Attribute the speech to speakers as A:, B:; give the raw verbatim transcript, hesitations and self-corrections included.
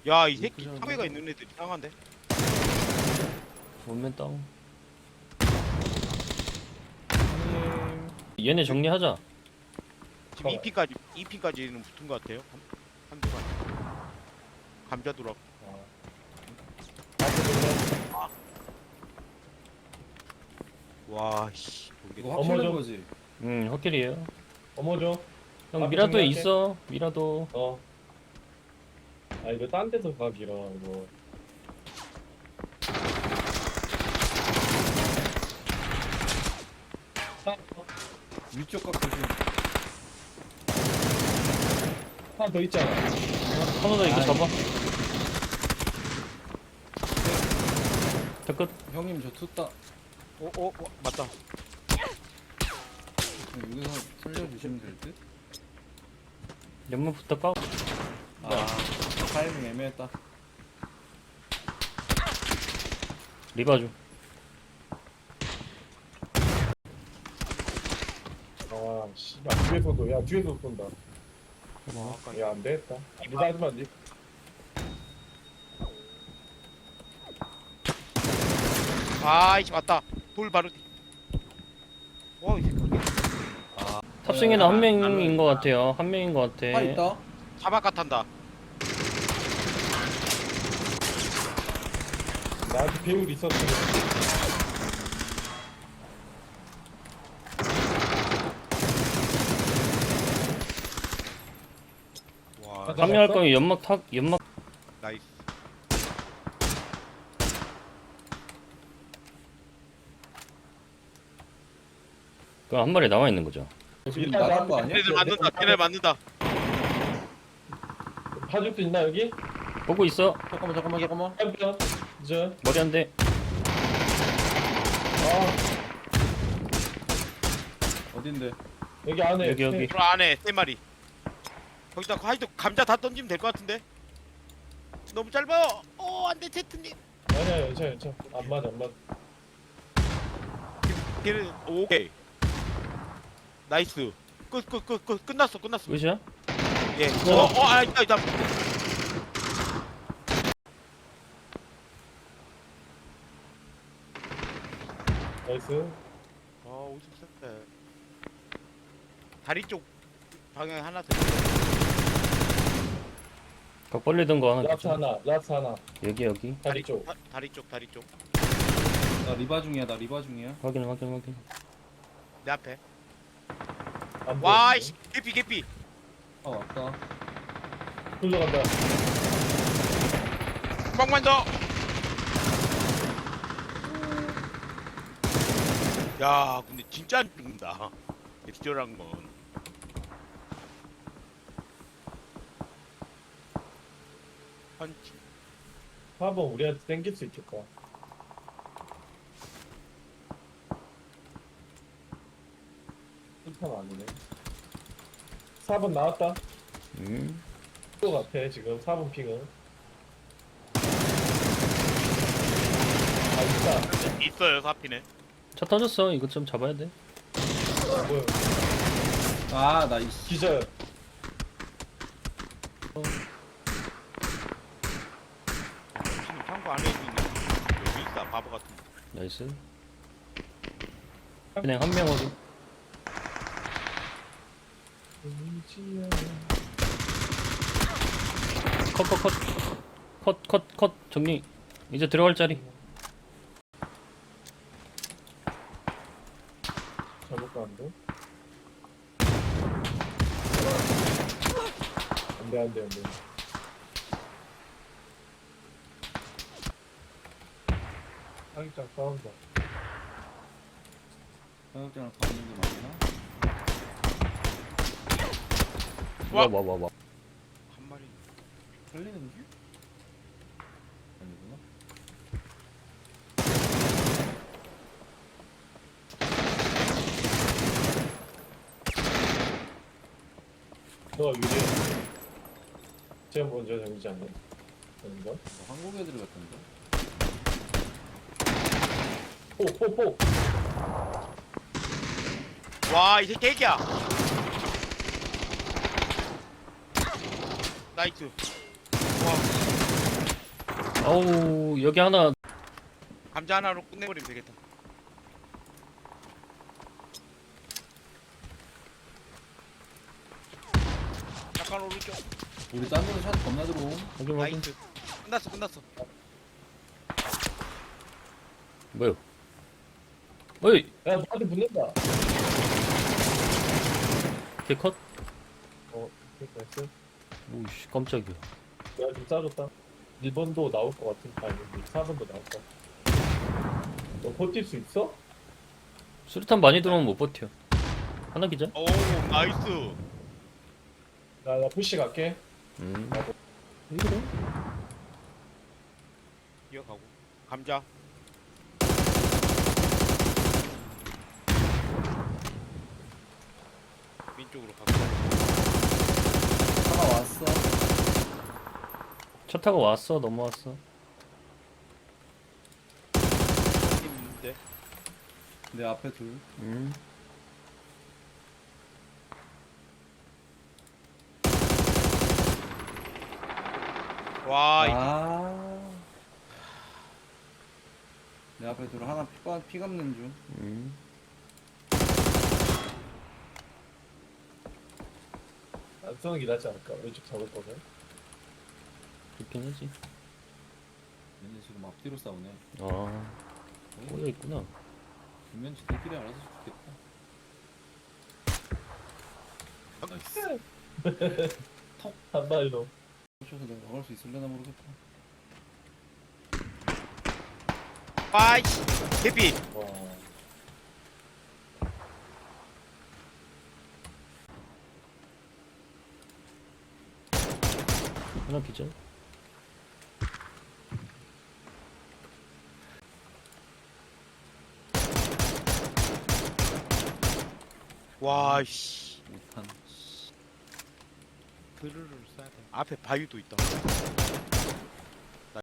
A: 야, 이 새끼
B: 그냥
A: 사회가 있는 애들 이상한데?
C: 원맨 다운.
B: 형님.
C: 얘네 정리하자.
A: 지금
B: 어.
A: 이피까지 이피까지는 붙은 것 같아요. 한, 한두 번. 감자 돌아.
B: 어. 나한테 돌려.
A: 와, 씨. 모르겠다.
B: 이거 확실한
D: 어머죠.
B: 거지.
C: 응, 헛길이에요.
D: 어머죠.
C: 형
D: 앞에
C: 미라도에
D: 정리할게.
C: 있어. 미라도.
D: 어. 아 이거 딴 데서 가기라 이거.
B: 위쪽 각 조심.
D: 하나 더 있잖아.
C: 하나더 이거
B: 아이.
C: 잡아. 자, 끝.
B: 형님 저 투따.
A: 어, 어, 어, 맞다.
B: 여기서 살려주시면 될 듯?
C: 연문부터 까.
B: 아 타이밍 애매했다.
C: 리바주.
D: 아 씨발 뒤에서도 야 뒤에서 쏜다.
A: 와, 아까
D: 야 안 되겠다. 니가 하지 마 니.
A: 아이씨, 맞다. 돌 바로 뒤. 와, 이 새끼.
C: 탑승에는 한 명인 것 같아요. 한 명인 것 같아.
B: 아 있다.
A: 사바카 탄다.
D: 나한테 배울 있었어.
A: 와,
D: 아,
C: 판매할 거면 연막 탁 연막.
A: 나이스.
C: 그 한 마리 남아 있는 거죠.
B: 지금 나간 거 아니야?
A: 쟤네들 맞는다. 쟤네들 맞는다.
D: 봐줄 수 있나 여기?
C: 보고 있어.
B: 잠깐만 잠깐만 잠깐만.
D: 한편 이제
C: 머리 한 대.
D: 아
B: 어딘데?
D: 여기 안에
C: 여기, 여기.
A: 돌 안에 세 마리. 거기다 하이도 감자 다 던지면 될 것 같은데. 너무 짧아요. 어, 안돼 제트님.
D: 아니야 괜찮아 괜찮아 안 맞아 안 맞아.
A: 걔는 오케이. 나이스. 끝 끝 끝 끝 끝났어 끝났어.
C: 끝이야?
A: 예. 어, 어, 아, 있다 있다.
D: 나이스.
A: 아, 오십 세. 다리 쪽 방향에 하나 더.
C: 각 벌리던 거 하나.
D: 라스
C: 주죠.
D: 하나 라스 하나
C: 여기 여기.
D: 다리 쪽.
A: 다, 다리 쪽 다리 쪽.
B: 나 리바 중이야. 나 리바 중이야.
C: 확인 확인 확인.
A: 내 앞에.
D: 안
A: 와,
D: 보이는데?
A: 이씨. 개피 개피.
B: 아 왔다.
D: 굴러간다.
A: 한 방만 더. 야, 근데 진짜 안 죽는다. 엑스절한 건. 펀치.
D: 사 번 우리한테 땡길 수 있겠다. 일단 아니네. 사 번 나왔다.
C: 음.
D: 또 같아 지금 사 번 핑은. 아 있다.
A: 있어요, 사피네.
C: 차 터졌어. 이거 좀 잡아야 돼.
D: 뭐야?
B: 아 나이스.
D: 기절.
A: 지금 창고 안에 있는 여기 있다. 바보 같은 거.
C: 나이스. 그냥 한 명으로. 컷 컷 컷. 컷 컷 컷 정리. 이제 들어갈 자리.
D: 잘못 가는데? 안돼 안돼 안돼. 사기장 싸운다.
B: 사육장을 가는 게 맞나?
A: 와.
C: 와 와 와 와.
A: 한 마리.
B: 살리는 게? 아니구나.
D: 너가 유리해. 제가 먼저 정리지 않나? 아닌가?
B: 뭐 한국 애들 같은데?
D: 포포포.
A: 와, 이 새끼 애기야. 나이스. 와.
C: 어우 여기 하나.
A: 감자 하나로 끝내버리면 되겠다. 약간 오른쪽.
B: 우리 딴 데로 샷 겁나 들어옴.
C: 확인 확인.
A: 나이스. 끝났어 끝났어.
C: 뭐요? 어이
D: 야 너한테 붙는다.
C: 개컷.
D: 어 됐어.
C: 오씨 깜짝이야.
D: 내가 좀 짜줬다. 일 번도 나올 것 같은 아니 사 번도 나올 것 같아. 너 버틸 수 있어?
C: 수류탄 많이 들어오면 못 버텨. 하나 기자?
A: 오 나이스.
D: 나, 나 푸시 갈게.
C: 음.
D: 나도.
C: 이거래?
A: 이어가고. 감자. 왼쪽으로 가고.
B: 하나 왔어.
C: 차 타고 왔어 넘어왔어.
A: 있는데.
B: 내 앞에 둘.
C: 음.
A: 와 이거
B: 아. 내 앞에 둘 하나 피, 빠- 피 감는 중.
C: 음.
D: 안 쓰는 게 낫지 않을까? 왼쪽 잡을 거면.
C: 그렇긴 하지.
B: 얘네 지금 앞뒤로 싸우네.
C: 아 꼬여 있구나.
B: 분명 지들끼리 알아서 죽겠다. 나이스.
D: 한 발로.
B: 쫓아서 내가 막을 수 있을려나 모르겠다.
A: 아이씨 개피.
D: 와.
C: 하나 기자.
A: 와씨
B: 못한.
A: 드르르 쏴야 돼. 앞에 바위도 있다.